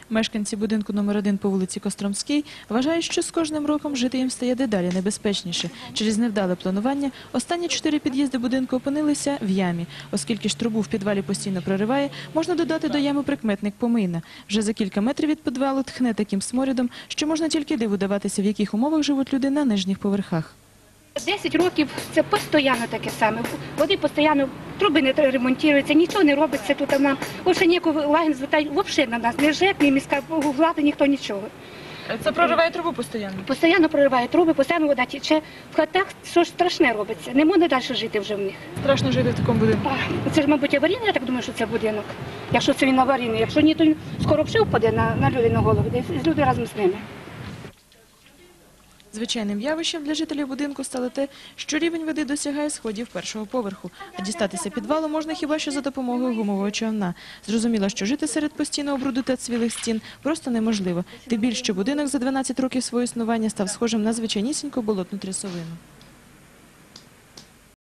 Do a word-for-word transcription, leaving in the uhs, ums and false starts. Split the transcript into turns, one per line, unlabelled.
Мешканці будинку номер один по вулиці Костромській вважають, що з кожним роком жити їм стає дедалі небезпечніше. Через невдале планування останні чотири під'їзди будинку опинилися в ямі. Оскільки ж трубу в підвалі постійно прориває, можна додати до ями прикметник «помийна». Вже за кілька метрів від підвалу тхне таким сморідом, що можна тільки диву даватися, в яких умовах живуть люди на нижніх поверхах.
Десять років це постійно таке саме. Води постійно, труби не ремонтуються, нічого не робиться тут нам. Взагалі ніякого лагін звертають, взагалі на нас, не ЖЕК, ні міська влада, ніхто нічого.
Це прориває трубу постійно?
Постійно прориває труби, постійно вода тече. В хатах що ж страшне робиться, не можна далі жити вже в них.
Страшно жити в такому будинку?
А, це ж, мабуть, аварійний, я так думаю, що це будинок. Якщо це він аварійний, якщо ні, то він скоро вже впаде на, на люди на голову, десь люди разом з ними.
Звичайним явищем для жителів будинку стало те, що рівень води досягає сходів першого поверху, а дістатися підвалу можна хіба що за допомогою гумового човна. Зрозуміло, що жити серед постійного бруду та цвілих стін просто неможливо. Тим більше, що будинок за дванадцять років свого існування став схожим на звичайнісіньку болотну трясовину.